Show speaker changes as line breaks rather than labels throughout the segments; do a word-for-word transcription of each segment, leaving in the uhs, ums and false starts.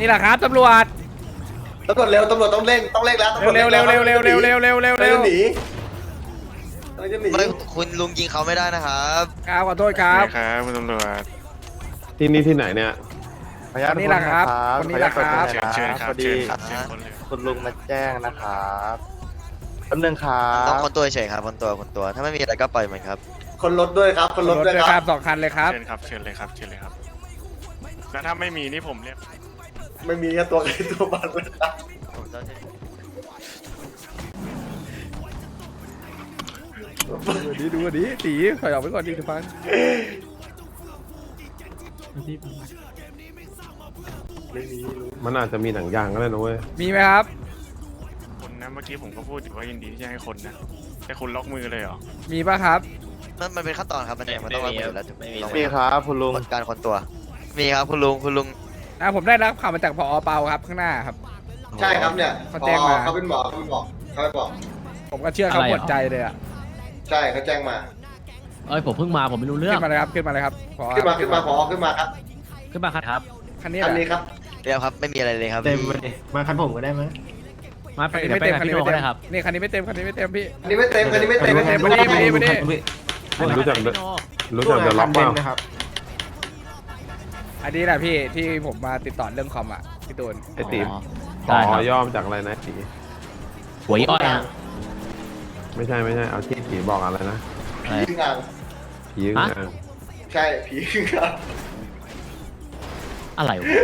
นี่แหละครับตำรวจ
ตำรวจเร็วตำรวจต้องเร่งต้องเร่งแล้วตำรวจ
เร็วเร็วเร็วเร็วเร็วเร็วเร็วเร็วเร็ว
หนีอะไรจะหนี
ไม่คุณลุงยิงเขาไม่ได้นะครับ
ครับขอโทษครับ
ครับคุณตำรวจ
ที่นี่ที่ไหนเนี่ย
ขออนุญาต
คนนี้แหละครับคนนี้แหละครับ
เชิญเชิญครับ
พอดี
เชิญครับเชิญคนเลย
คุณลุงมาแจ้งนะครับแป๊บนึงครั
ต้อบ งคนตัวเฉยครับคนตัวคนตัวถ้าไม่มีอะไรก็ปล่อยมันครับ
คนรถด้วยครับคนรถด้วย
ค
ค
รั
รั
บบ สองคันเลยครับ
เชิญครับเชิญเลยครับเชิญเลยครับแล้วถ้าไม่มีนี่ผมเรียก
ไม่มีแค่ตัวใครตัวมันเลยครับ
ผมจะ
ดูดีดูดีตีถอยออกไปก่อนดีทุกฟัง
มันอาจจะมีหนังยางก็ได้นะเว้ย
มีไหมครับ
คนนะเมื่อกี้ผมก็พูดอยู่ว่ายินดีที่จะให้คนนะแต่คุณล็อกมือเลยเหรอ
มีป่ะครับ
มันมันเป็นขั้นตอนครับมันยังมันต้องรับมือแล้วถึงไม่มี
มีครับคุณลุง
การคนตัว มีครับคุณลุงคุณลุง
นะผมได้รับข่าวมาจากผอเปาครับข้างหน้าครับ
ใช่ครับเนี่ย
เขาแจ้งมา
เขาเป็นหมอเขาเป็นหมอเขาเป็นหมอ
ผมก็เชื่อเขาหมดใจเลยอ่ะ
ใช่เขาแจ้งมา
เอ้ยผมเพิ่งมาผมไม่รู้เรื่อง
ขึ้นมาเลยครับขึ้นมาเลยครับผอ
ขึ้นมาขึ้นมาพอขึ้นมาครับ
ขึ้นมาครับ
คันนี้
อัน
แห
นี้
ละ
ครับ
เดี๋ยวครับไม่มีอะไรเลยครับ
เต็มเลยมาคันผมก็ได้ไหม
มาไป
คันนี้
เดี๋ยว
ไม่
ไป
เต็ม
กับ
คัน
พี่
นี้
โน
ไม่
ก็
เต็ม
ได้ครับ
นี่คันนี้ไม่เต็มคันนี้ไม่เต็มพี่
อันนี้ไม่เต็มอันนี้ไม่เต็ม
อันนี้ไม่เต็ม
รู้จักรู้จักเดอะล็อกเปล่า
นะครับ
อันนี้แหละพี่ที่ผมมาติดต่อเรื่องคอมอ่ะพี่ตูน
ไอตี
อ๋อ
อ๋
ได้ค
อ
รับ
ย่อมจากอะไรนะตี
หวยอ้อยอะ
ไม่ใช่ไม่ใช่เอาที่ตีบอกอะไรนะ
อะไร
ผีงาน
ผียึงอ่าง
ใช่ผีงาน
อะไรวะ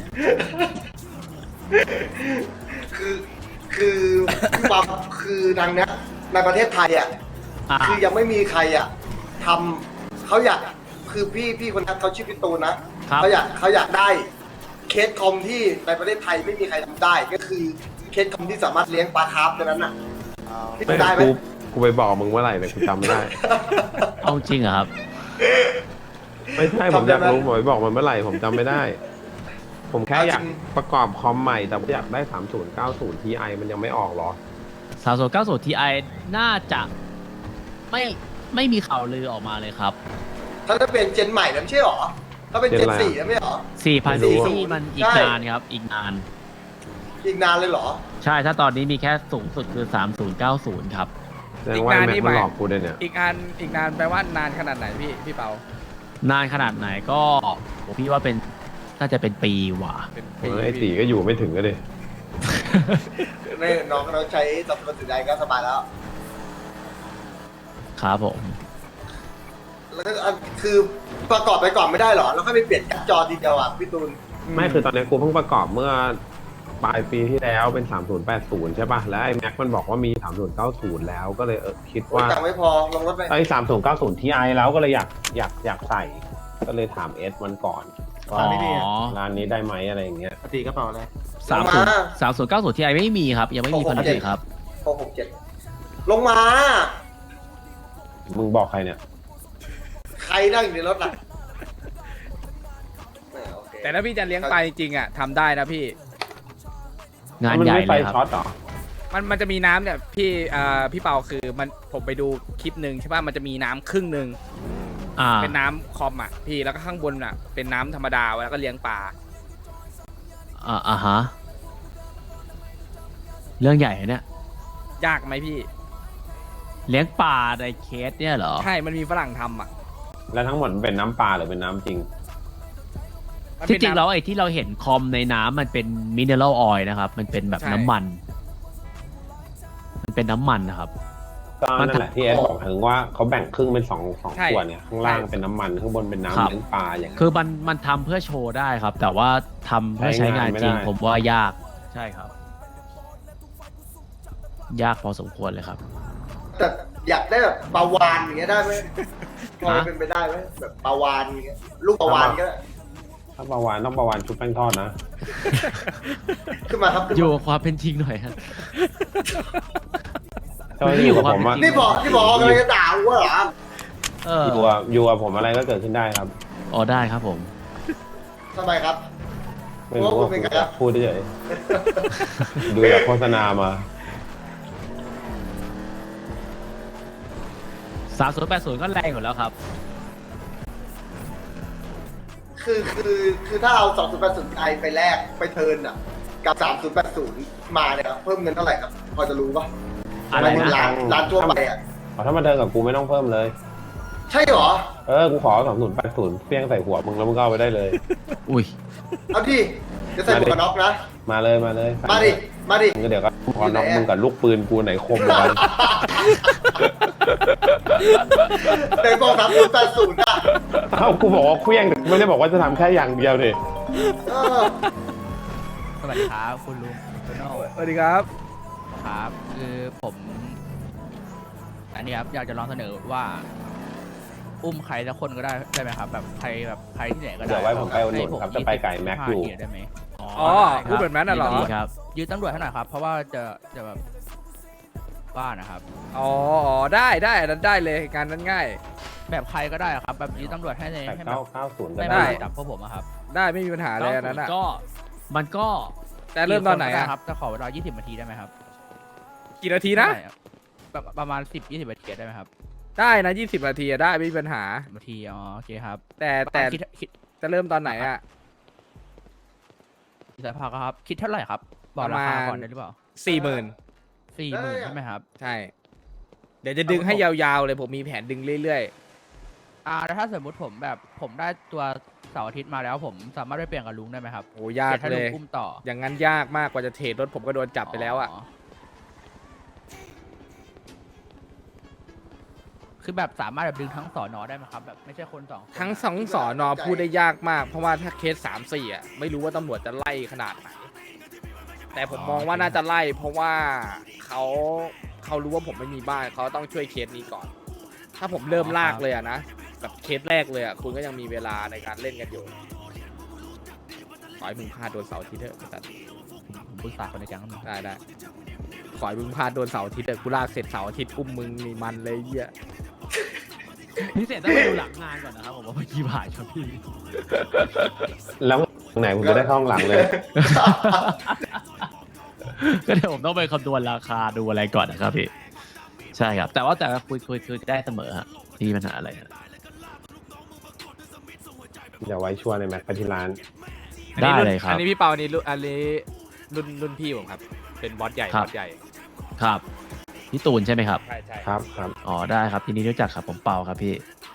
คือคือพี่ปั๊มคือทางเนี้ยในประเทศไทยอ่ะ
อ่ะ
คือยังไม่มีใครอ่ะทำเขาอยากคือพี่พี่คนนั้นเขาชื่อพี่ตูนนะครับ เขาอยากเขาอยากได้เคสคอมที่ในประเทศไทยไม่มีใครทำได้ ก็คือเคสคอมที่สามารถเลี้ยงปลาคาร์ฟตัวนั้นน่ะพี่
ไม่
ทำได้ไหม
กูกูไปบอกมึงเมื่อไหร่เนี่ยกูจำไม่ได้
เอาจริงเหรอครับ
ไม่ใช่ผมอยากรู้ผมไปบอกมันเมื่อไหร่ผมจำไม่ได้ ผมแค่อยากประกอบคอมใหม่แต่อยากได้สามศูนย์เก้าศูนย์ ที ไอ มันยังไม่ออกเหรอ
สามศูนย์เก้าศูนย์ทีไอน่าจะไม่ไม่มีข่าวลือออกมาเลยครับ
ถ้าจะเป็นเจนใหม่แล้วไม่ใช่หรอ ถ้าเป็นเจน
เจนอะไร
สี่แล้วไม่หรอ
สี่พัน
ไม่รู้
ซีซีมันอีก
ใช่
นานครับ อีกนาน
อีกนานเลยเหรอ
ใช่ถ้าตอนนี้มีแค่สูงสุดคือสามศูนย์เก้าศูนย์ครับ
แสดงว่าไอ้แม็กมันหลอกกูเลยเนี่ย
อีกอันอีกนานแปลว่านานขนาดไหนพี่พี่เปาน
านขนาดไหนก็ผมพี่ว่าเป็นน่าจะเป็นปีว่ะ
เป็น
เอ
ปี
อไอ้ตีก็อยู่ไม่ถึงก็ดิ
ในน้องน้องใช้สับสนสินใจก็สบายแล้ว
ครับผม
แล้วก็อันคือประกอบไปก่อนไม่ได้เหรอ แล้วค่อยไปเปลี่ยนการ์ดจอทีเดียวอ่ะพี่ตูน
ไม่คือตอนนี้กูเพิ่งประกอบเมื่อปลายปีที่แล้วเป็นสามศูนย์แปดศูนย์ใช่ป่ะแล้วไอ้แม็กมันบอกว่ามีสามศูนย์เก้าศูนย์แล้วก็เลยเออคิดว่า
ตังค์ไม่พอลงรถไป
ไอ้สามศูนย์เก้าศูนย์ทีไอแล้วก็เลยอยากอยากอยากใส่ ก็เลยถามเอสมันก่อน
อ๋
ว่า
อ
ร้านนี้ได้ไหมอะไรอย่างเงี้ย
ปกติกระเป๋าอะไร
สามศูนย์สามศูนย์เก้าศูนย์ทีไอไม่มีครับ ยังไม่มีผลิตครับ
หกหกเจ็ดลงมา
มึงบอกใครเนี่ย
ใครนั่งอยู่ในรถล่ะแหมโอเค
แต่ถ้าพี่จะเลี้ยงปลาจริงๆอ่ะทำได้นะพี่
งาน
มั
ใหญ่
ไม่ไฟ
เลยค
ช็อ
รับ
ตเหรอ
มันมันจะมีน้ำเนี่ยพี่อ่าพี่เปาคือมันผมไปดูคลิปหนึ่งใช่ป่ะมันจะมีน้ำครึ่งหนึ่ง
อ่า
เป็นน้ำคอมอ่ะพี่แล้วก็ข้างบนอ่ะเป็นน้ำธรรมดาแล้วก็เลี้ยงปลา
อ่าอ่าฮะเรื่องใหญ่เนี่ย
ยากไหมพี่
เลี้ยงปลาในเคสเนี่ยเหรอ
ใช่มันมีฝรั่งทำอ่ะ
แล้วทั้งหมดมันเป็นน้ำปลาหรือเป็นน้ำจริง
มัน
ที่
เป็น
จริง
น้ำ
แล้วไอ้ที่เราเห็นคอมในน้ำมันเป็นมิเนอรัลออยล์นะครับ มันเป็นแบบ
ใช่
น้ำมัน มันเป็นน้ำมันนะครับ
ก็นั่นแหละที่เอสบอกถึงว่าเขาแบ่งครึ่งเป็นสองสอง
ใช่
ส่วนเนี่ยข้างล่าง
ใช่
เป็นน้ำมันข้างบนเป็น
ครั
น้ำ
บ
เลี้ยงปลาอย่างเงี้ย
คือมันมันทำเพื่อโชว์ได้ครับ แต่ว่าทำเพื่อใช้งานจริง
ใช้งานไม่ได้
ผมว่ายาก ใช่ครับ ยากพอสมควรเลยครับ
แต่อยากได้แบบปลาวานอย่างเงี้ยได้ไหมพอ
ฮะ
เป็นไปได้ไหมแบบปลาวานอย่างเงี้ยลูกปลาวานก็ได้
ถ้าปลาวานต้องปลาวานชุบแป้งทอดนะ
ขึ้นมาครับขึ้น
อยู่
มา
กับความเป็นจริงหน่อยฮะ
เจ้าหน้าที่อยู่กับผมอะ
นี่บอกนี่บอกกำลังจะด่ากูเหรอ
เออ
อยู่กับอยู่กับผมอะไรก็เกิดขึ้นได้ครับ
อ๋อได้ครับผม
ทำไมครับ
ไม่รู้ว่า
โอ้คุณเป็นไงครับ
พูดเฉยดูจากโฆษณามา
สามศูนย์แปดศูนย์ก็แรงอยู่แล้วครับ
คือคือคือถ้าเอาสองศูนย์แปดศูนย์ไอไปแลกไปเทิร์นอ่ะกับสามศูนย์แปดศูนย์มาเนี่ยครับเพิ่มเงินเท่าไหร่ครับพอจะรู้ปะ
อะไรนะ
ร้านร้านทั่วไปอ่ะ
ถ้ามาเดินกับกูไม่ต้องเพิ่มเลย
ใช่เหรอ
เออ กูขอสองศูนย์แปดศูนย์เพี้ยงใส่หัวมึงแล้วมึงก็เอาไปได้เลย
อุ้ย
เอาดิจะใส่หมวกกันน็อกนะ
มาเลยมาเลย
มาดิมาดิ
มึงก็เดี๋ยวก็พอน้องมึงกับลูกปืนกูไหนคมกว่ากัน
ในบอกสามศูนย์แปดศูนย์อ่ะ
เอ้ากูบอกว่าเคลี้ยงไม่ได้บอกว่าจะทำแค่อย่างเดียวดิ
เออ
สวัสดีครับคุณลุงคุณโน่
สวัสดีครับ
ครับ คือผม อันนี้ครับอยากจะลองเสนอว่า อุ้มใครสักคนก็ได้ได้ไหมครับ แบบใครแบบใครที่ไหนก็ได้
เดี๋ยวไว้ผมไปอุดหนุนครับจะไปไก่แม็กอยู่
ให้ผยี่สิบห้าเทียร์ได้ไหม
อ๋อพูดแบบนั้นน่ะเหรอ
ดีครับยืนตำรวจให้หน่อยครับ เพราะว่าจะจะแบบบ้านนะครับ
อ๋ออ๋อได้ได้อันนั้นได้เลยงานนั้นง่าย
แบบใครก็ได้ครับ แบบยืนตำรวจให้ใน
แต่
ให้แบ
เก้า
บ
เก้าศูนย์ก็
ไม่
ได้
มาจับพวกผมอะครับ
ได้ไม่มีปัญหาเลยอันนั้นอ่ะ
ก็มันก็
แต่เริ่มตอนไหน
กี่คก็
อ่ะ
ด้ครับจะขอเวลายี่สิบนาทีได้ไหมครับ
กี่นาทีนะ
ได้ครับแบบประมาณสิบยี่สิบนาทีได้ไหมครับ
ได้นะยี่สิบนาทีอะได้ไม่มีปัญหา
นาทีอ๋อโอเคครับ
แต่แต่
คิดคิด
จะเริ่มตอนไหนอ่ะ
สายพาครับ คิดเท่าไหร่ครับ บอกราคา
ประมาณ
ก่อนได้หรือเปล่า
สี่หมื่น
สี่หมื่นใช่ไหมครับ
ใช่ เดี๋ยวจะดึงให้ยาวๆเลยผมมีแผนดึงเรื่อย
อ่าแล้วถ้าสมมติผมแบบผมได้ตัวเสาร์อาทิตย์มาแล้ว ผมสามารถไปเปลี่ยนกับลุงได้ไหมครับ
ๆโอ้ยาก
ให้
เล
ลุง
ย
อุ้มต่อ
อย่างนั้นยากมากกว่าจะเทรดรถผมก็โดนจับไปแล้วอ่ะ
คือแบบสามารถแบบดึงทั้งสอนอได้ไหมครับ แบบไม่ใช่คนสองคน
ทั้งสองสอนอพูดได้ยากมาก เพราะว่าถ้าเคสสามสี่อ่ะไม่รู้ว่าตำรวจจะไล่ขนาดไหน แต่ผมมองว่าน่าจะไล่ เพราะว่าเขาเขารู้ว่าผมไม่มีบ้านเขาต้องช่วยเคสนี้ก่อน ถ้าผมเริ่มลากเลยอะนะแบบเคสแรกเลยอะคุณก็ยังมีเวลาในการเล่นกันอยู่ขอให้มึงพลาดโดนเสาร์อาทิตย์เถอะแต่
ผมปรึกษาคนในแก๊งแล้ว
ได้ได้ขอให้มึงพลาดโดนเสาร์อาทิตย์เถอะกูลากเสร็จเสาร์อาทิตย์อุ้มมึงมีมันเลยเหี้ย
พิเศษต้องไปดูหลังงานก่อนนะครับผมว่าเมื่อกี้ผ่านครับพี่
แล้วไหนผมจะได้เข้าห้องหลังเลย
ก็เดี๋ยวผมต้องไปคำนวณราคาดูอะไรก่อนนะครับพี่ ใช่ครับ แต่ว่าแต่คุยคุยคุยได้เสมอฮะที่มีปัญหาอะไรฮะ
อย่าไว้ชัวร์ในแม็กไปที่ร้าน
ได้เลยครับ
อันนี้พี่เปานี่รุ่นอันนี้รุ่นรุ่นพี่ผมครับ เป็นบอสใหญ่
ครับ
บอสใหญ่
ครับพี่ตูนใช่ไหมครับ
ใช่ใช่
ครับครับ
อ๋อได้ครับทีนี้รู้จักครับผมเปาครับพี่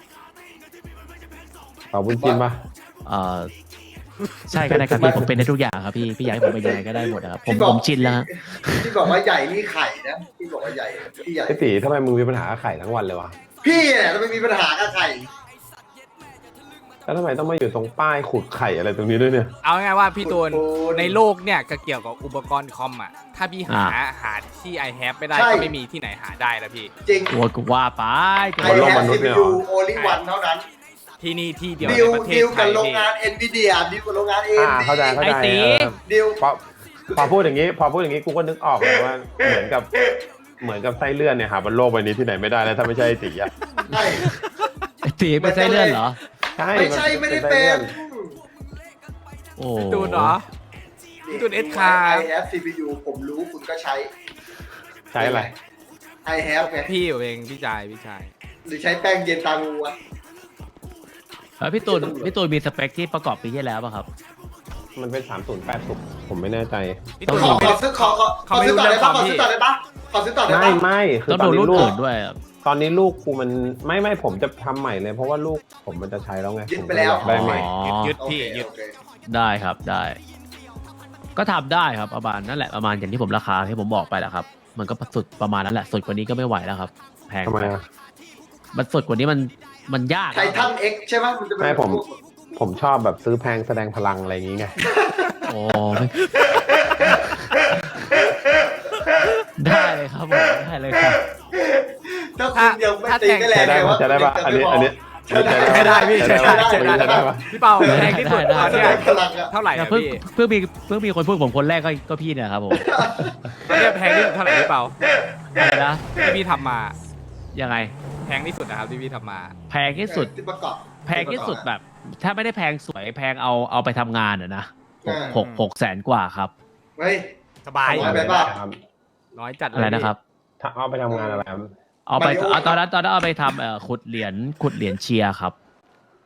เป่าบุญจินปะ
เอ่อใช่ก็ได้ครับพี่ผมเป็นได้ทุกอย่างครับพี่พี่อยากให้ผมเป็นยังไงก็ได้หมดนะครับผมผมชินแล้วฮะ
ที่บอกว่าใหญ่นี่ไข่นะที่บอกว่าใหญ่พี่ใหญ่
ไอ้ตีทำไมมึงมีปัญหากับไข่ทั้งวันเลยวะ
พี่เนี่ยจะไม่มีปัญหากับไข่
แล้วทำไมต้องมาอยู่ตรงป้ายขุดไข่อะไรตรงนี้ด้วยเนี่ย
เอาง่ายๆว่าพี่ตูน
โอ้โห
ในโลกเนี่ยก็เกี่ยวกับอุปกรณ์คอมอ่ะถ้าพี่หาหาที่ i have ไม่ได้
ใช่
ก็ไม่มีที่ไหนหาได้แล้วพี่
จริง
กลัวกูว่าไป
ไอ
โลก
แฮ
ม
ป
นุษ
ซี
ย์เนี่
พี
ยเหร
ยู
อ
โอลิวันเท่านั้น
ที่นี่ที่เดียว
ดิ
ใน
ว
ประเทศ
ดิว
ไท
กับ
ย
โรง
พี่
งานเอ็นวีเดียดิวกับโรงงานเอ็น
อ่าเข้าใจเข้าใจ
ไอ้ตี
เออ
ดิว
พอพอพูดอย่างนี้ พอพูดอย่างนี้กูก็นึกออกเลยว่าเหมือนกับเหมือนกับไส้เลื่อนเนี่ยหาบนโลกใบนี้ที่ไหนไม่ได้แล้วถ้าไม่ใช่ไอ้ตีอ่ะ
ใช่
ไอ้ตีเป็นไส้เลื่อนเหรอ
ใช่
ไม่ใช่ไม่ได้เป็น
โอ้
พี่ตูนเหรอ พี่ตูน S คาร์
ไอแฮปซีพียูผมรู้คุณก็ใช้
ใช่อะไร
ไอแฮปไง
พี่ผมเองพี่ชายพี่ชาย
หรือใช้แป้งเย็นตางูอะ
เออพี่ตูนพี่ตูนมีสเปคที่ประกอบปีที่แล้วป่ะครับ
มันเป็นสามศูนย์แปดสุกผมไม่แน่ใจ
พี่
ต้
ตู
อน ง
ขอ
ดู
ขอซื้อขอขอขอซื้อต่อได้ปะขอซื้อต่อได้ปะขอซื้อต่อได้
ไม่
ปะ
ไม่คือ
ต้อง
ตอน
ดู
นี้
รุ่น
ลูก
อื่นด้วยอะ
ตอนนี้ลูกกูมันไม่ไม่ผมจะทำใหม่เลย เพราะว่าลูกผมมันจะใช้แล้วไง
ยึดไปแล้ว
ผมก็อยากได้ใหม่
อ๋อ
ยึด
โอ
พี่
เค
ยึด
โอเค
ได้ครับได้ ก็ทำได้ครับประมาณนั่นแหละประมาณอย่างที่ผมราคาที่ผมบอกไปแหละครับ มันก็สุดประมาณนั้นแหละสุดกว่านี้ก็ไม่ไหวแล้วครับแพง
ทำไม
ไป
อะ
มันสุดกว่านี้มันมันยาก
ไททันเอ็กใช่ไหมมันจะเป็น
ไม่ผม ผมชอบแบบซื้อแพงแสดงพลังอะไรอย่างงี้ไง
โอ้ไม่ได้เลยครับผมได้เลยครับ
ถ้าคุณยังไม่ตีก็แรง
ใช้ได้
แต่
ปะ
ว่า
ใช้ได้ปะอันนี้อันนี้
ใช้ได้
ใช้ได้พี่ใช้ได้ใช้ได้
ใช้ได้ปะ
พี่เปาแพงที่สุด
ได้
ตอน
แส
เนี้
ด
ย
งพลังอะ
เท่าไหร่
แต่
อะ
เพิ่ง
พี่
เพิ่งมีเพิ่งมีคนพูดผมคนแรกก็ก็พี่เนี่ยครับผม
ตอนเนี้ยแพงที่สุดเท่าไหร่พี่เปา
อะไรนะ
ที่พี่ทำมา
ยังไง
แพงที่สุดนะครับที่พี่ทำมา
แพงที่สุด
ที่ประกอบ
แพงที่สุดแบบ ถ้าไม่ได้แพงสวยแพงเอาเอาไปทำงานอะนะหก
อ่า
หกหกแสนกว่าครับ
เฮ้ย
สบาย
น้อยไปปะ
ครับ
น้อยจัดเลย
อะไรนะครับ
ถ้าเอาไปทำงานอะไรครับ
เอาไป
มาริโอ
เอาตอนนั้นตอนนั้นเอาไปทำเอ่อขุดเหรียญขุดเหรียญเชียร์ครับ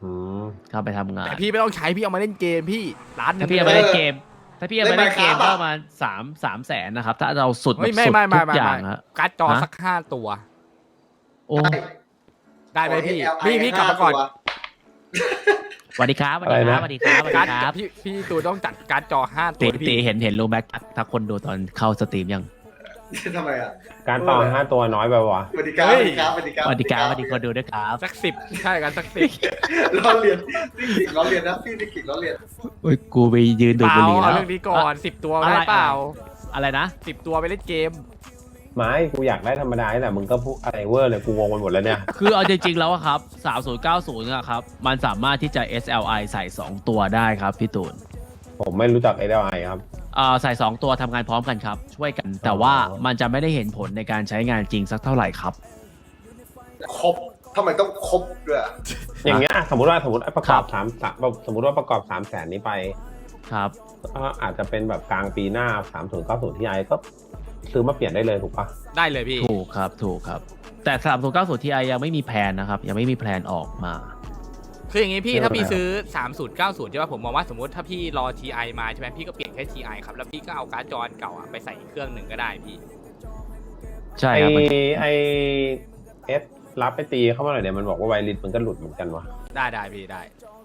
อืม
เข้าไปทำงาน
แต่พี่ไม่ต้องใช้พี่เอามาเล่นเกมพี่ร้านหนึ
ถ้าง พี่เอาไปเล่นเกม ถ้าพี่เอาไปเล่นเกม
เล่น
ก็
Minecraft
ประมาณสามสามแสนนะครับ ถ้าเราสุดแบ
เฮ้ย
บ
ไม่
สุด
ไม่ไม่
ทุก
ไม่
อย่าง
ไม่
ฮะ
การ์ดจอ
ฮะ
สักห้าตัว
โอ้
ได้ไหมพี่
โอ้ย
พี่พี่กลับมาก่อน
ห้าตัว
สวัสดีครับสวัสดีครับสวัสดีครับสวัส
การ์
ดี
ด
ครับ
พี่พี่ตูนต้องจัดการ์ดจอห้าตั
ตี
ว
ตี
พี่
เห็นเห็นรู้ไหมทักคนดูตอนเข้าสตรีมยัง
ทำไมอ่ะ
การต่อห้าตัวน้อยไปวะ
สวัสดีครับสวัสดีครับสวัสดีครับ
สวัสดีครับสวัสดีคนดูด้วยครับ
สักสิบใช่กันสักสิบ
ล้อเลียนฟิสิกส์ล้อเลียนนะฟิสิกส์ล้อเลียน
โอ้ยกูไปยืนดูด
เป
บุ
ล่า
หรี่แล้
เอา
ว
เรื่องนี้ก่อนสิบตัว
อะไร
ได้เปล่า
อะไรนะ
สิบตัวไปเล่นเกม
ไม่กูอยากได้ธรรมดาแต่มึงก็พูดอะไรเวอร์เลยกูงงไปหมดแล้วเนี่ย
คือเอาจริงๆแล้วอะครับสามศูนย์เก้าศูนย์อะครับ มันสามารถที่จะ เอส แอล ไอ ใส่ สอง ตัวได้ครับพี่ตูน
ผมไม่รู้จัก เอ แอล ไอ ครับ
อ่าใส่ สอง ตัวทำงานพร้อมกันครับ ช่วยกัน แต่ว่ามันจะไม่ได้เห็นผลในการใช้งานจริงสักเท่าไหร่ครับ
ครบทำไมต้องครบด้วยอะ
อย่างเงี้ยสมมติว่าสมมติประกอบ
ครับ
สามสามสมมติว่าประกอบสามแสนนี้ไป
ครับ
ก็อาจจะเป็นแบบกลางปีหน้าสามศูนย์เก้าศูนย์ที่ไอก็ซื้อมาเปลี่ยนได้เลยถูกปะ
ได้เลยพี่
ถูกครับถูกครับ แต่สามศูนย์เก้าศูนย์ ที ไอ ยังไม่มีแพลนนะครับ ยังไม่มีแพลนออกมา
คืออย่างนี้พี่ถ้าพี่ซื้อสามศูนย์เก้าศูนย์ใช่ป่ะผมมองว่าสมมติถ้าพี่รอ ที ไอ มาใช่ไหมพี่ก็เปลี่ยนแค่ ที ไอ ครับแล้วพี่ก็เอาการ์ดจออันเก่าอะไปใส่อีกเครื่องหนึ่งก็ได้พี่
ใช่
ไอ
ครับมัน
ไอเอสรับไปตีเข้ามาหน่อยเนี่ยมันบอกว่าไวริสมันก็หลุดเหมือนกันวะ
ได้ได้พี่ได้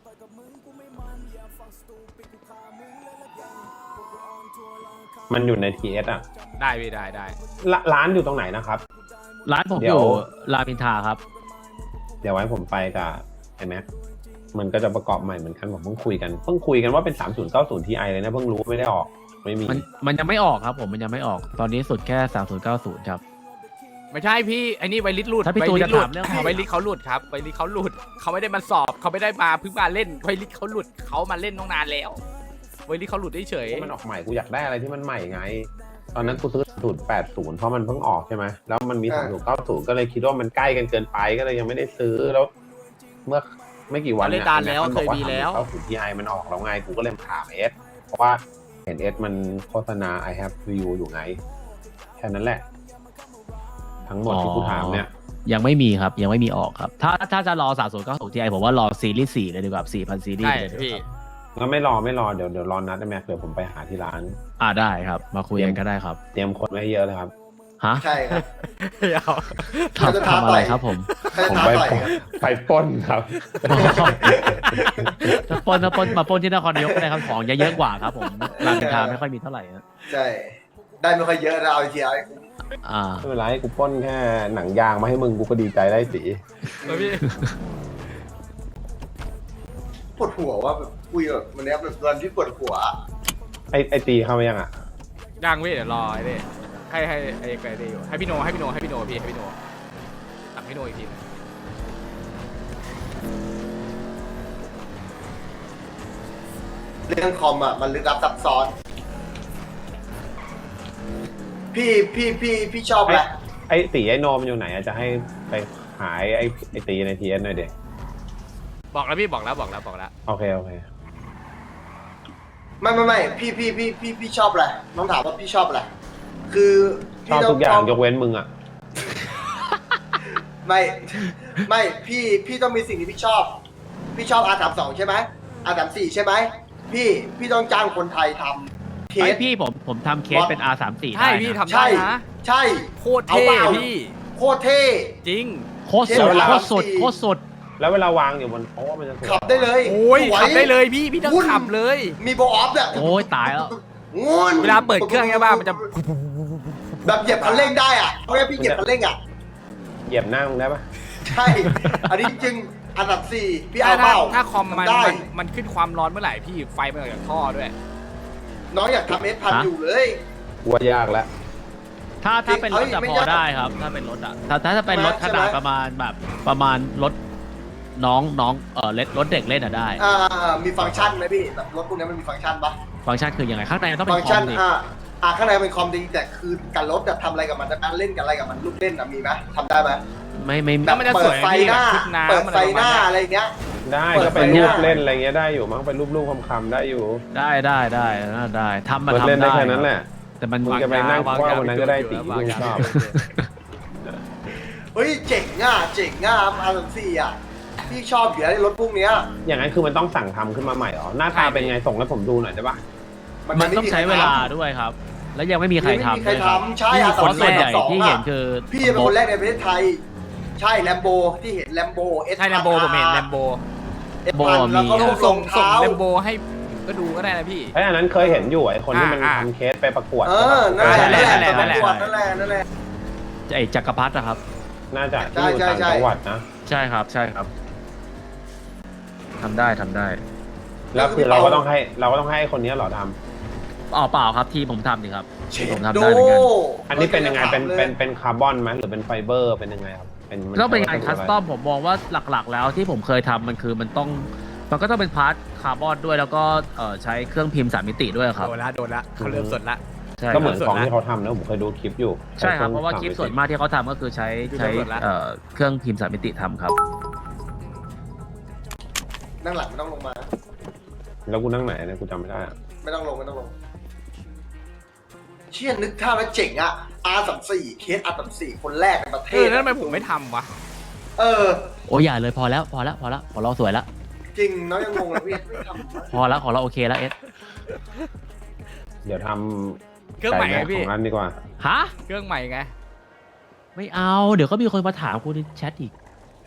มันอยู่ใน ที เอส อ่ะ
ได้พี่ได้ได้
ร้าร้านอยู่ตรงไหนนะครับ
ร้านผม
เดี๋
อ
ยว
ยู่รามอินทราครับ
เดี๋ยวไว้ผมไปกับไอแม็กมันก็จะประกอบใหม่เหมือนกันผมเพิ่งคุยกันเพิ่งคุยกันว่าเป็นสามศูนย์เก้าศูนย์ ที ไอ เลยนะเพิ่งรู้ไม่ได้ออกไม่มี
มันมันยังไม่ออกครับผมมันยังไม่ออกตอนนี้สุดแค่สามศูนย์เก้าศูนย์ครับ
ไม่ใช่พี่ไอ้นี่ไวริสหลุด
ถ้าพี่ตูน
ไวริส
จะ
หลุ
ถา
ด
มเรื่อง
ไวริสเขาหลุดครับไวริสเขาหลุดเขาไม่ได้มาสอบเขาไม่ได้มาเพิ่งมาเล่นไวริสเขาหลุดเขามาเล่นตั้งนานแล้วไวริสเขาหลุดเฉย
มันออกใหม่กูอยากได้อะไรที่มันใหม่ไง ตอนนั้นกูซื้อศูนย์แปดศูนย์เพราะมันเพิ่งออกใช่ไหมแล้วมันมีสามศูนย์เก้าศูนย์ก็เลยคิดว่ามันใกล้กันเกินไปก็เลยยังไม่ได้ซื้อแล้ว เมื่อไม่กี่วันเนี่ย
เล่นดานแล้วเคยมีแล้ว
เก้าศูนย์ ที ไอ มันออกแล้วไงกูก็เลยมาถามเอสเพราะว่าเห็นเอสมันโฆษณา I have view อยู่ไงแค่นั้นแหละ ทั้งหมดที่กูถามเนี่ย
ยังไม่มีครับยังไม่มีออกครับ ถ้าถ้าจะรอสามศูนย์เก้าศูนย์ ที ไอ ผมว่ารอซีรีส์สี่เลยดีกว่าสี่พันซี
ๆ
รีส์
ใช่
เลยดีก
พี่
ว่า
ก็ไม่รอไม่รอเดี๋ยวเดี๋ยวรอนัดได้ไหมเดี๋ยวผมไปหาที่ร้าน
อ่าได้ครับ มาคุยกันก็ได้ครับ
เตรียมคนไว้ให้เยอะเลยครับ
ฮะ
ใช่ครับ
เดี๋ยว
เขาจะ
ทำ
ท้า
ทำอะไร
ต่อย
ครับผม
เขาจะ
ผม
ท้า
ไป
ต่อยครับ
ไปปล้นครับ
ถ้าปล้นถ้าปล้นมาปล้นที่นครนายกก็ได้ครับของเยอะๆกว่าครับผมรามอินทราไม่ค่อยมีเท่าไหร่นะ
ใช่ได้ไม่ค่อยเยอะนะเอาทีไอ
อ่า
ไม่เป็นไรกูปล้นแค่หนังยางมาให้มึงกูก็ดีใจได้สิ
เออพี่
ปวดหัวว่าแบบคุยแบบวันนี้แบบวันที่ปวดหัว
ไอไอตีเข้ามายังอ่ะ
ย่างพี่เดี๋ยวรอไอ้นี่ให้ให้ไอ้ไอ้นี่อยู่ให้พี่โนให้พี่โนให้พี่โนพี่ให้พี่โนสั่งพี่โนอีกทีนึง
เรื่องคอมอ่ะมันลึกลับซับซ้อน พี่พี่พี่พี่ชอบอะไร
ไอตีไอโนมันอยู่ไหนอะจะให้ไปหายไอไอตีในทีเอสหน่อยเด็ก
บอกแล้วพี่บอกแล้วบอกแล้วบอกแล้ว
โอเคโอเค
ไม่ไม่ไม่พี่พี่พี่พี่พี่ชอบอะไรน้องถามว่าพี่ชอบอะไรคือ
ชอบ
พี่
ทุกอย่าง
ต้
ยกเว้นมึงอ่ะ
ไม่ไม่พี่พี่ต้องมีสิ่งที่พี่ชอบ พี่ชอบ อาร์ สามสิบสอง ใช่ไหม อาร์ สามสิบสี่ ใช่ไหมพี่พี่ต้องจ้างคนไทยทำเค
ไอ
ส
พี่ผมผมทำเคสเป็น อาร์ สามสิบสี่
ใช่
ได้
พี่
นะ
ทำได้
ใช่
นะ
ใช่
โคตรเท่
เอาเปล่า
พี่
โคตรเท่
จริง
โคตรสุด
เวลา
โคตรสุดโคตรสุด
แล้วเวลาวางอยู่บนโต๊ะมันจะสวย
ขับได้เลย
โอ้ย
สว
ขับได้เลยพี่พี่ต้อง
วุ่น
ขับเลย
มีโบออฟเนี่ย
โอ้ยตายแล้ว
งุ่น
เวลาเปิดเครื่องใช่ป่ะมันจะ
แบบเหยียบคันเร่งได้อ่ะเพราะงั้นพี่เหยียบคันเร่งอ่ะ
เหยียบหน้ามึงได้ปะ
ใช่ อันนี้จริง อันดับสี่พี่
ถ้า
เอาเป
ถ้า
ล่า
ถ้าคอมมัน
ได้
มันมันขึ้นความร้อนเมื่อไหร่พี่ไฟมันออกจากท่อด้วย
น้องอยากทำเอสพัน
ฮะ
อยู่เลย
กูว่ายากแล้ว
ถ้าถ้าเป็นรถจะ
เอ้ยไม่
พอย
าก
ได้ครับ ถ้าเป็นรถอะถ้าถ้าถ้าเป็นรถ
ใช่
ข
ไหม
นาดประมาณแบบประมาณรถน้องน้องเออเล็รถเด็กเล่นอะได้
อ่ามีฟังก์ชันไหมพี่แบบรถพวกนี้มันมีฟังก์ชันปะ
ฟังก์ชันคือยังไงข้างในมันต้องเป็
ฟั
น
งก์
ค
ชั
อน มดิ
อ่าอ่าข้างในเป็นคอมดีแต่คือการรถแบบทำอะไรกับมันการเล่นกับอะไรกับมันลูกเล่นอะมีไหมทำได้ไหม
ไม่ไม่
แบบ
มันจะ
เปิ
ส
ด
วย
ไฟหน้า
พี่แบบชุดน้ำ
เปิดไฟหน้า
อะไรประมาณเนี้ย
อะไรอย่างเงี้ย
ได้
เปิ
ก็
ด
ไป
ไฟ
รูป
หน้า
เล่นอะไรเงี้ยได้อยู่มั้งไปรูปรูปคำๆได้อยู่
ได้ได้ได้ได้ได้ทำมา
เปิด
ทำ
เล่นได้
ได้
แค่นั้นแหละ
แต่มัน
มึงจะไปนั่ง
วาง
ว่า
ยา
วันนั้นก็ได้ตี
วาง
กู
ยา
ชอบ
เฮ้ยเจ๋งอ่ะเจ๋งอ่ะอาร์ สามสิบสี่ อ่ะพี่ชอบอยู่แล้วรถพวกเนี้ย
อย่างนั้นคือมันต้องสั่งทำขึ้นมาใหม่เหรอหน้าตาเป็นไงส่งให้ผมดูหน่อยได้ปะ
มันต้องใช้เวลาด้วยครับ แล้วยังไม่มีใคร
ไม่มี
ทำ
ใคร
ด้วยครับ
ทำใช่
ที่
อา
คน
สาม
ส่วนใหญ่
สอง
ที่
อะ
เห็นคือ
พี่เป็นคนแรกในประเทศไทย ใช่แลมโบที่เห็นแลมโบเอส
ใช่แลมโบผมเห็นแลมโบ
เอสพันแล้วก็รูปท
ส่
รง ง
ส่ง
เท้า
แลมโบให้ก็ดูก็ได้นะพี่
ไอ้ยอันนั้นเคยเห็นอยู่ไอ้คนที่มัน
อ่า
ทำเคสไปประกวด
เออนั่นแหละ
นั่
นั่น
น
แห
แห
ละ
ละ
นั่นแหละนั่นแหละนั่นแหละ
ไอ้จักรพรรดินะครับ
น่าจะที่อยู่
ใช่
ต่าง
ใช่
จังหวัดนะ
ใช่ครับ ใช่ครับทำได้ทำได้
แล้วคือเราก็ต้องให้เราก็ต้องให้คนนี้เหรอทำ
อ๋อเปล่าครับที่ผมทำดิครับที่ผมทำ
โด
ได้เหมือนกัน
อันนี้เป็นยังไงเป็น
ลย
เป็นเป็นคาร์บอนไหมหรือเป็นไฟเบอร์เป็นยังไงครับเป็นมั
ต้องเป็นงาน
ใช้
คั
วั
ส
สดุะไร
ตอมผมมองว่าหลักๆ แล้วที่ผมเคยทำมันคือมันต้องมันก็ต้องเป็นพาร์ทคาร์บอนด้วยแล้วก็เอ่อใช้เครื่องพิมพ์สามมิติด้วยครับ
โดนละโดนละเขาเริ่มสดละ
ใช่
ก็เหมือน
ครับ
ของที่เขาทำนะผมเคยดูคลิปอยู่
ใช่ครับ
ง
เพราะว่าคลิปส่วนมากที่เขาทำก็คือใช้ใช้เอ่อเครื่องพิมพ์สามมิติทำครับ
นั่งหลังไม่ต้องลงมา
แล้วกูนั่งไหนเนี่ยกูจำไม่ได้อะ
ไม่ต้องลงไม่ต้องลง เชี่ยนึกท่าแล้วเจ๋งอะ อาร์ สามสิบสี่ เคส อาร์ สามสิบสี่ คนแรกในประเท
เออ
ศ
แล้วทำไมผมไม่ทำวะ
เออ
โอ้ยอย่าเลยพอแล้วพอแล้วพอแล้วของเราสวยแล้ว
จริงน้องยังงงเลยพี่ไม่ทำ
พอแล้วของเราโอเคแล้วเอส
เดี๋ยวทำ
เครื่องใหม่
ไก่
ไง
แม่
พี่
ของอันดีกว่า
ฮะ
เครื่องใหม่ไง
ไม่เอาเดี๋ยวก็มีคนมาถามกูในแชทอีก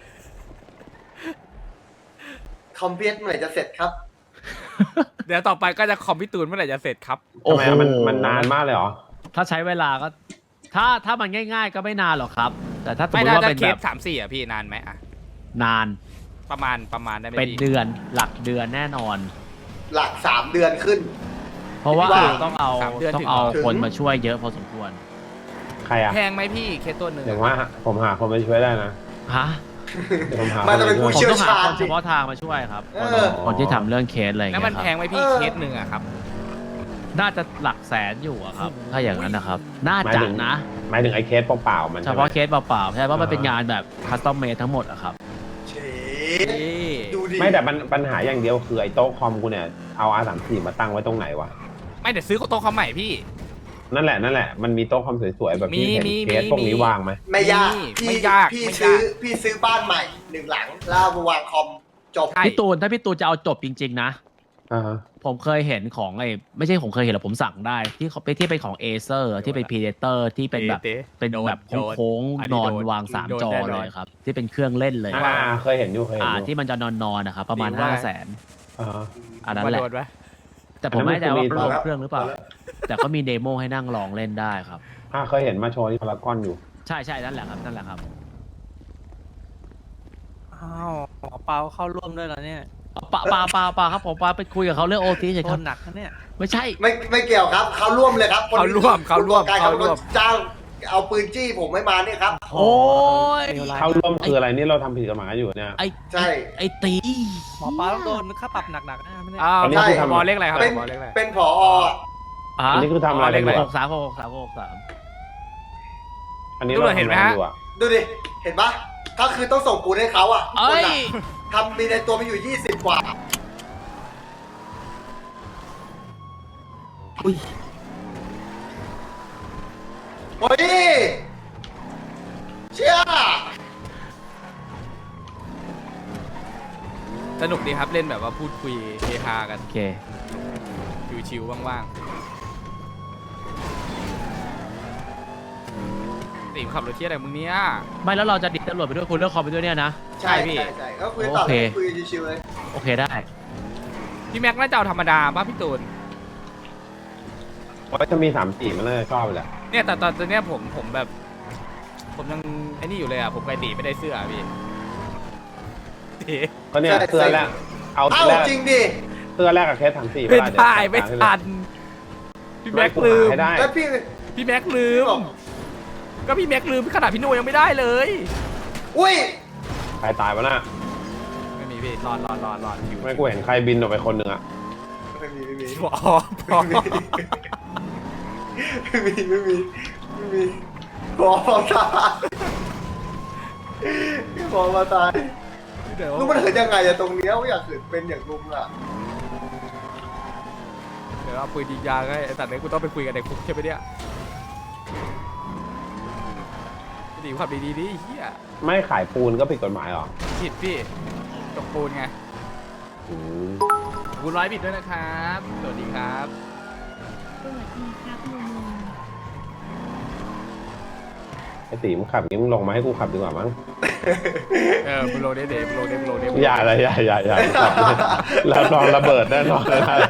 คอมเพลตเมื่อไหร่จะเสร็จครับ
เดี๋ยวต่อไปก็จะคอมพิวตูนเมื่อไหร่จะเสร็จครับ
ทำไมอะมันมันนานมากเลยเหรอ
ถ้าใช้เวลาก็ ถ้าถ้ามันง่าย ๆ ก็ไม่นานหรอกครับ แต่ถ้าสม
ไม่
มติ
น่า
ว่า
จะ
เป็น
เค
แบ
ส
บ
สามสี่อ่ะพี่นานไหมอ่ะ
นาน
ประมาณประมาณได้ไหม
เป็น
พี่
เดือนหลักเดือนแน่นอน
หลักสามเดือนขึ้น
เพราะว่า
ว่า
ต้องเอา
สามเดือน
ต้อง
ถึง
เอา
ถึง
คนมาช่วยเยอะพอสมควร
ใครอะ
แพงไหมพี่เคสตัวหนึ่ง
เดี๋ยวว่าผมหาคนมาช่วยได้นะ
ฮะ
เดี๋ยวผมหา
มันจะเป็น
ค
ผู้
มา
ผม
ช่วย
ต้องหา
เชี่ยวชาญ
คนเฉพาะทางมาช่วยครับ
เอ
คน
อ
คนที่ทำเรื่องเคสอะไรอย่าง
แล้ว
เงี้
มัน
ยค
แพ
รับ
งไหมพี่
เออ
เคสหนึ่งอะครับ
น่าจะหลักแสนอยู่อะครับ ถ้าอย่างนั้นนะครับ น่า
หมาย
จะ
ถึง
นะ
หมายถึงไอ้เคสเปล่าๆมัน
เฉ
ใช่ไหม
พาะเคสเปล่าๆใช่เพราะมันเป็นงานแบบคัสตอมเมดทั้งหมดอะครับ
เช
นี่
ดูดิ
ไม่แต่ปัญปัญหาอย่างเดียวคือไอ้โต๊ะคอมกูเนี่ยเอา อาร์ สามสิบสี่ มาตั้งไว้ตรงไหนวะ
ไม่เดี๋ยวซื้อโต๊ะเขาใหม่พี่
นั่นแหละนั่นแหละมันมีโต๊ะคอมสวยๆแบบที่เห็น
มีมี
เคสพวกนี้
มี
วางไหม
ไม่ยาก
ไม่
พี่
ยาก
พี่
ไม่ยาก
ซื้อพี่ซื้อบ้านใหม่หนึ่งหลังแล้วเอามาวางคอมจบ
ใช่
พี่ตูนถ้าพี่ตูนจะเอาจบจริง ๆ นะ
อ่าฮะ
ผมเคยเห็นของไอ้ไม่ใช่ผมเคยเห็นหรอกผมสั่งได้ ที่เขาที่เป็นของเอเซอร์ที่เป็นพีเดเตอร์ที่เป็นแบบ
เต๋
เป็น
โดน
แบบ
โดน
โค้ง
อัน
ๆ
นี้
นอน
โดน
วางสาม
โดน
จอ
แน่นอน
เลยครับ ที่เป็นเครื่องเล่นเลย
อ่าเคยเห็นอยู่เคยเห็น
อ่า
อยู่
ที่มันจะนอนๆนะครับ ประมาณ
ดีว่า
ห้าแสน
อ่าฮะ
อันนั้นแหละ
โดนไหม
แต่ผมไม่แน่ใจว่า
อันนั้นมันคือมี
ลงเครื่องหรือเปล่า แต่ก็มีเดโมให้นั่งลองเล่นได้ครับ
อ่าเคยเห็นมาโชว์ที่พารากอนอยู่
ใช่ใช่นั่นแหละครับนั่นแหละครับ
อ้าวหมอเปาเข้าร่วมด้วยเหรอเนี่ย
ปาปาปาปาครับผมปาไปคุยกับเขาเรื่องโอทีเฉย
โท
ครั
ษ
บ
หนักนะเนี่ย
ไม่ใช่
ไม่ไม่เกี่ยวครับเขาร่วมเลยครับคน
เขาร่วมเขาร่วม
กาย
เขาร่วม
จ้างเอาปืนจี้ผมไม่มาเนี่ยครับ
โอ้ย
เข้าร่วมคืออะไรนี่เราทำผิดกฎหมายอยู่เนี่ย
ไอ
ใช่
ไอตี
หมอเปาต้องโดนค่าปรับหนักๆนะไม่ได้
อ้าว
อันนี้
ใช่
คือทำ
บอลเลขอะไรครับ
เป็น
บอลเลขอะไร
เป็นผอ
อ่ะ
อันนี้คือทำอะไร
อ๋อเรียกอะไร
หกสามหกสามหกสาม
อันนี้
ตำร
เรา
วจเห็นไหม
ทำงาน
ฮะ
อยู่อะ
ดูดิ เห็นปะก็คือต้องส่งปูนให้เขาอ่ะทุก
เอ้
คน
ย
อะทำมีในตัวมีอยู่ยี่สิบกว่า
อุ้ย
เฮ้ยเชี่ย
สนุกดีครับเล่นแบบว่าพูดคุยเฮฮากัน
โอเค
ชิวๆว่างๆตีมขับรถเที่ยวอะไรมึงเนี้ย
ไม่แล้วเราจะดิดตำรวจไปด้วยคุณเรื่องคอมไปด้วยเนี่ยนะ
ใช่
ใช่พี่
ใช่ใช่ก็คุยต่อ
โอเค
เลยคุยชิวๆเลย
โอเคได้
พี่แม็กน่าจะเอาธรรมดาป่ะพี่ตูน
เพราะถ้ามีสามสี่มันน่าจะชอบแหละ
เนี่ยแต่ตอนตอนเนี้ยผมผมแบบ ผมยังไอ้นี่อยู่เลยอ่ะผมไกลตีไม่ได้เสื้ออะพี่ตี
ก็เนี่ยเสื้อแรกเอา
เอ้า
แรก
จริงดิ
เสื้อแรกกับเคสสามสี่
ไม่ได้ไม่
ทั
ทันพี่แม็กลืม
ให้ได้
แล้วพี่
พี่แม็กลื
พี่
ม
บอก
ก็พี่แม็กลืมขนาดพี่โนยังไม่ได้เลย
อุ้ย
ใครตายวะน่ะ
ไม่มีพี่รอดรอดรอดรอดอยู่
ไม่กูเห็นใครบินออกไปคนหนึ่งอะ
ไม่มีไม่มี
อ๋อพอ
ไม่มีไม่มีไม่มีบอมาตายบอมาตาย
เดี๋ยว
ลุงมันเหินยังไงอะตรงเนี้ยว่าอยากเหินเป็นอย่างลุงอะ
เดี๋ยวเอาปืนยิงยางให้ไอ้สัตว์เนี่ยกูต้องไปคุยกับเด็กคุกใช่ไหมเนี่ยดีขับดีๆดิไอ้เฮีย
ไม่ขายปูนก็ผิดกฎหมายเหรอ
ผิดพี่จกปูนไง
อืม
ขอบคุณร้อยบิตด้วยนะครับสวัสดีครับ
สวัสดีครับลุง
ไอ้ตีมึงขับงี้มึงลงมาให้กูขับดีกว่ามั้ง
เออโปรเดเดโปรเดโปรเด
อย่าอะไรอย่าอย่าอย่าขับแล้วลองระเบิดแน่นอนเลยนะ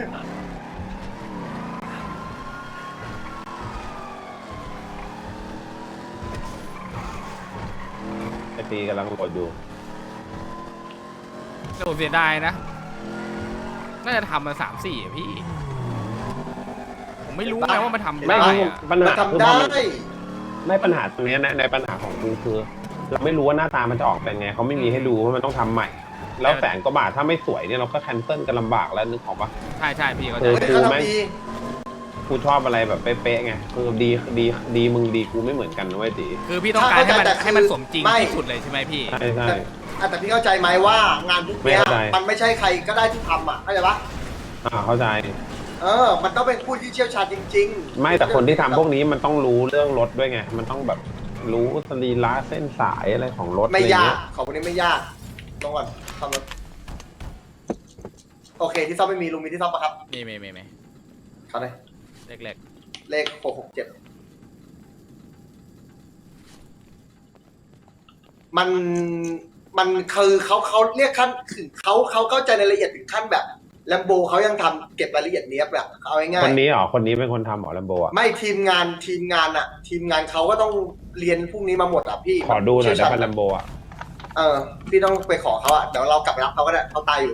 ไอ้ตีกำลังโหลดอยู่
แต่ผมเสียดายนะ น่าจะทำมาสามสี่อะพี่ ผมไม่รู้ไงว่ามันทำ
ไม่
ได้
รู้
อะ
ปัญ
มั
หาน
ทำ
คือ
ได้
พอมันไม่ปัญหาตรงเนี้ยนะในปัญหาของกูคือ เราไม่รู้ว่าหน้าตามันจะออกเป็นไงเขาไม่มีให้ดูว่ามันต้องทำใหม่ แล้วแสนกว่าบาทถ้าไม่สวยเนี่ยเราก็แคนเซิลกันลำบากแล้วนึกออกปะ
ใช่ใช่พี่เขา
เอ
ใจ
อ
เขาทำดี
กูชอบอะไรแบบเป๊ะๆไงคือดีดีดีมึงดีกูไม่เหมือนกันนะเว้ยตี
คือพี่ต้องการให้มันให้มันสมจริง
ไม่
ที่สุดเลยใช่ไหมพี่
ใช่ใช่
อ่ะแต่พี่เข้าใจไหมว่างานพวกเนี้ย
ไม่เข้าใจ
มันไม่ใช่ใครก็ได้ที่ทำอ่ะเข้าใจปะ
อ่าเข้าใจ
เออ มันต้องเป็นผู้ที่เชี่ยวชาญจริงๆ
ไม่แต่คนที่ทำพวกนี้มันต้องรู้เรื่องรถด้วยไง มันต้องแบบรู้สรีระเส้นสายอะไรของรถ
ไม่
อะไร
ยาก
เงี้ย
ของพวกนี้ไม่ยากลงก่อนซ่อมรถโอเคที่ซ่อมไม่มีลุงมีที่ซ่อมปะครับ
มีมีมีมี
เขาเลย
เล็ก
เลขหกหกเจ็ดมันมันคือเขาเขาเรียกขั้นถึงเขาเขาเข้าใจในรายละเอียดถึงขั้นแบบแลมโบเขายังทำเก็บรายละเอียดเนี้ยแบบเอาง่าย
คนนี้เหรอคนนี้เป็นคนทำเหรอลัมโบอ่ะ
ๆไม่ทีมงานทีมงานอะทีมงานเขาก็ต้องเรียนพวกนี้มาหมดอะพี่
ขอดูหน่อยได้
เชี่ว
ป่ะ
ชาญ
ลัมโบอ่ะ
เออพี่ต้องไปขอเขาอะเดี๋ยวเรากลับไปรับเขาก็ได้เขาตายอยู่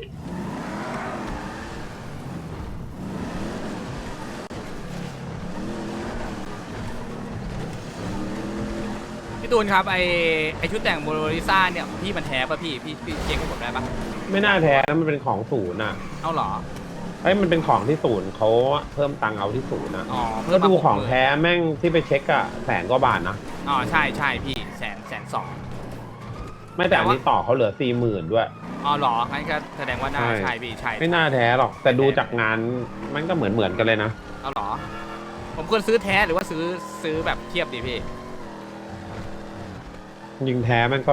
ๆพี่ตูนครับไอไอชุดแต่งโมโนลิซ่าเนี่ยของพี่มันแท้ป่ะพี่พี่พี่เช็คให้ผมได้ปะ
ไม่น่าแท้นะมันเป็นของศูนย์อ่ะ
เอาเหรอ
ไอ้ยมันเป็นของที่ศูนย์เขาเพิ่มตังค์เอาที่ศูนย์นะ
อ๋อเพิ่
ก็
มมา
ดูของ
หกหมื่น
แท้แม่งที่ไปเช็คอะแสนกว่าบาทนะ
อ๋อใช่ใช่พี่แสนแสนสอง
ไม่แต่อันนี้ต่อเขาเหลือสี่หมื่นด้วย
อ๋อเหรองั้นก็แสดงว่าน่า
ใช่
ใช่พี่ใช่
ไม่น่าแท้หรอก แต่ดูจากงานมันก็เหมือนเหมือนกันเลยนะ
เอาเหรอ ผมควรซื้อแท้หรือว่าซื้อซื้อแบบเทียบดีพี่
ยิงแท้มันก็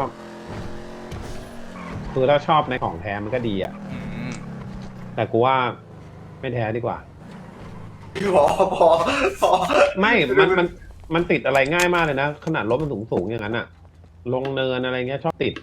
คือถ้าชอบในของแท้มันก็ดีอ่ะ
อืม
แต่กูว่าไม่แท้ดีกว่า
พอพอพอ
ไม่ มัน มัน มันติดอะไรง่ายมากเลยนะ ขนาดรถมันสูงสูงๆอย่างนั้นอะลงเนินอะไรเงี้ยชอบติด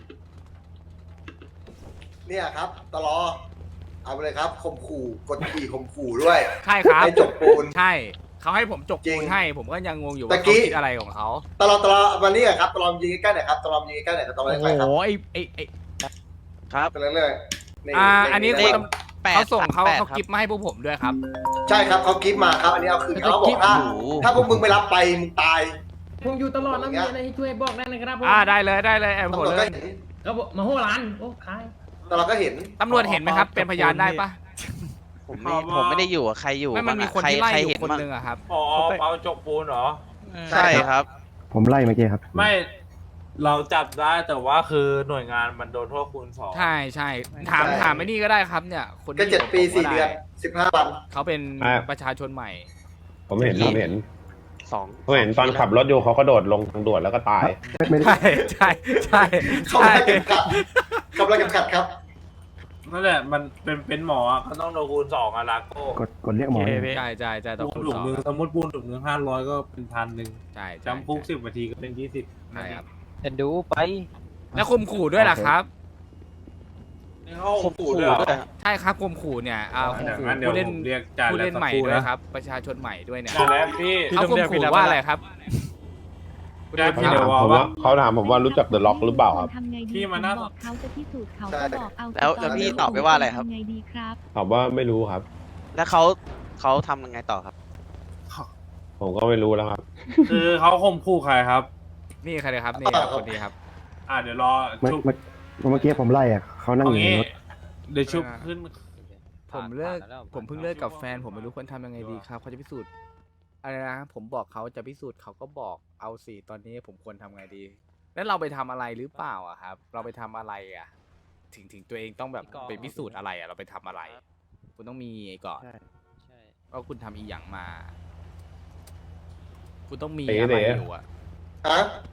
เนี่ยครับตลอเอาไปเลยครับข่มขู่กดขี่ข่มขู่ด้วย
ใช่ครับ
ให้จบปูน
ใช่เขาให้ผมจก
จริ
ปู
ง
นให้ ผมก็ยังงงอยู่
ตะ
ว่า
กี้
เขาคิดอะไรของเขา
ตลอดตลอดวันนี้อะครับตลอดยิงใกล้ๆหน่อยครับตลอดยิงใกล้ๆหน่อยครับตลอด
โอ้
ใกล้ๆครับ
โหไอไอไอ
ครับ
ไปเรื่อยๆนี่
อ่าอันนี้
เล
คุณ
ข
ตำเขาส่งเขาเขากิฟต์มาให้พวกผมด้วยครับ
ใช่ครับเขากิฟต์มาครับ อันนี้เอาคืนเขาบอกถ้าถ้าพวกมึงไม่รับไปมึงตาย
ผมอยู่ตลอดแล้วมีอะไรให้ช่วยบอกได้นะครับผม
อ่าได้เลยได้เลยแอม
ตำ
ผ
ร
ม
วจ
เล
ก็
ย
เห็น
ก็บอกมาหัวร้านโอ้ขาย
ตลอดก็เห็น
ตำรวจเห็นไหมครับ เป็นพยานได้ปะ
ผมไม่ผมไม่ได้อยู่อะใครอยู่
ไม่มันมีคน
ใร
ที่ไล่
ใคร
อยู่
เห็น
คน
บ้าง
หนึงอะครับ
อ๋อเปาจกปูนเหรอ
ใช่ครับ
ผมไล่เมื่อกี้ครับ
ไม่ เราจับได้แต่ว่าคือหน่วยงานมันโดนโทษคูณสอง
ใช่ใช่ถามถามไอ้นี่ก็ได้ครับเนี่ย คน
ก็
ที่
เจ็ดปี
ยู่กับผม
สี่เดือน
ไ
สิบห้าวัน
เขาเป็น
อ่า
ประชาชนใหม่
ผมเห็นผมเห็น
สอง
ผมเห็นตอนขับรถอยู่เขาก็โดดลงทางด่วนแล้วก็ตาย
ไม่ได้
ใช่ใช่ใช่
เขา
ใช่
ไล่เก็บขัดเขาไล่เก็บขัดครับ
นั่นแหละมันเป็นเป็นหมออะก็ต้องโดนคูณสองอะลาโก้
กดกดเรียกหมอเลย
ใช่ใช่ใช่ต่อ
ปูน
คูณ
ถุง
สอง
มือสมมติปูนถุงมือห้าร้อยก็เป็นพันหนึ่ง
ใช่ใช่
จำคุกสิบนาทีก็เป็นยี่สิบ
ใช่ครับ
เอ็นดูไป
แล้วข่มขู่ด้วยล่ะครับ
นี่เขาข่มขู่ด้วยเหรอ
ใช่ครับข่มขู่เนี่ยเอาข่ม
เดี๋ยว
ขู่
งั้นเดี๋ยว
ผู้เล่น
ผมเรียกจ่า
ผู้
แล้
เล่น
สัก
ใหม่
ครู่
ด้วย
นะครับ
ประชาชนใหม่ด้วยเนี่ย
จ่าแล้วพี่
เขาข่มขู่ว่าอะไรครับ
จ่า
เขา
พี่
ถา
เดี๋ย
ม
ว
ผม
ว่า
ว่าเขาถามผมว่ารู้จักเดอะล็อกหรือเปล่าครับ
ทำไงดี
พี่มานั่ง
บอกเขาจะพิสูจน์เขา
ใช่
ก็บอกเอา
แล้วแล้วพี่ตอบไปว่าอะไรครับ
ทำไงดีครับ
ตอบว่าไม่รู้ครับ
แล้วเขาเขาทำยังไงต่อครับ
ผมก็ไม่รู้แล้วครับ
คือเขาข่มขู่ใครครับ
นี่ใครเลยครับนี่ครับคนนี้ครับ
อ่าเดี๋ยวรอ
เมื่อ
ชุบ
เมื่อเมื่อกี้ผมไล่อะเขานั่ง
เอา
อยู่ใน
งี้
รถ
เดี๋ยวชุบขึ้น
ผมเลิกผมเพิ่งเลิกกับแฟนผมไม่รู้ควรทำยังไงดีครับเขาจะพิสูจน์อะไรนะผมบอกเขาจะพิสูจน์เขาก็บอกเอาสิตอนนี้ผมควรทำไงดี แล้วเราไปทำอะไรหรือเปล่าอะครับ เราไปทำอะไรอะถึงถึงตัวเองต้องแบบไปพิสูจน์อะไรอะเราไปทำอะไร คุณต้องมีก่อนว่าคุณทำอีหยังมา คุณต้องมี
เต๋
อะไร
เต๋
อยู่อะ
ฮะ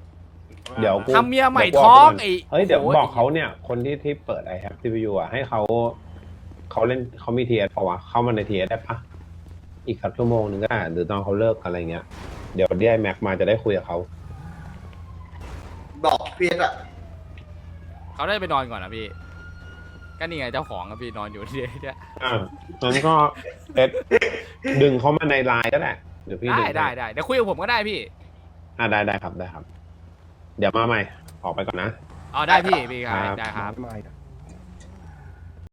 เดี๋ยวกู
ทำเมียใหม่
ดี๋วกู
ท้อง
บกไปก่น
ไอ้
เฮ้ยเดี๋ยว
โอ้โห
บอกเขาเนี่ย คนที่ที่เปิดไอแฮปซีพียูอ่ะให้เขาเขาเล่นเขามีทีเอสป่าวะเข้ามาในทีเอสได้ปะอีกสักชั่วโมงหนึ่งก็ได้หรือตอนเขาเลิกอะไรเงี้ยเดี๋ยวเดี๋ยวไอแม็กมาจะได้คุยกับเขา
บอกเพียรอ่ะ
เขาได้ไปนอนก่อนนะพี่ก็นี่ไงเจ้าของอะพี่นอนอยู่ที่เนี่ย
อ่างั้นก็เอ็ดดึงเขามาในไลน์ก็ได้เดี๋ยวพี่
ได้
ดึง
ได้ได้เดี๋ยวคุยกับผมก็ได้พี่
อ่าได้ได้ครับได้ครับ เดี๋ยวมาใหม่ออกไปก่อนนะ
อ๋อได้พี่พี่ครับ
ครับ
ได้ครับ
ไม่ได้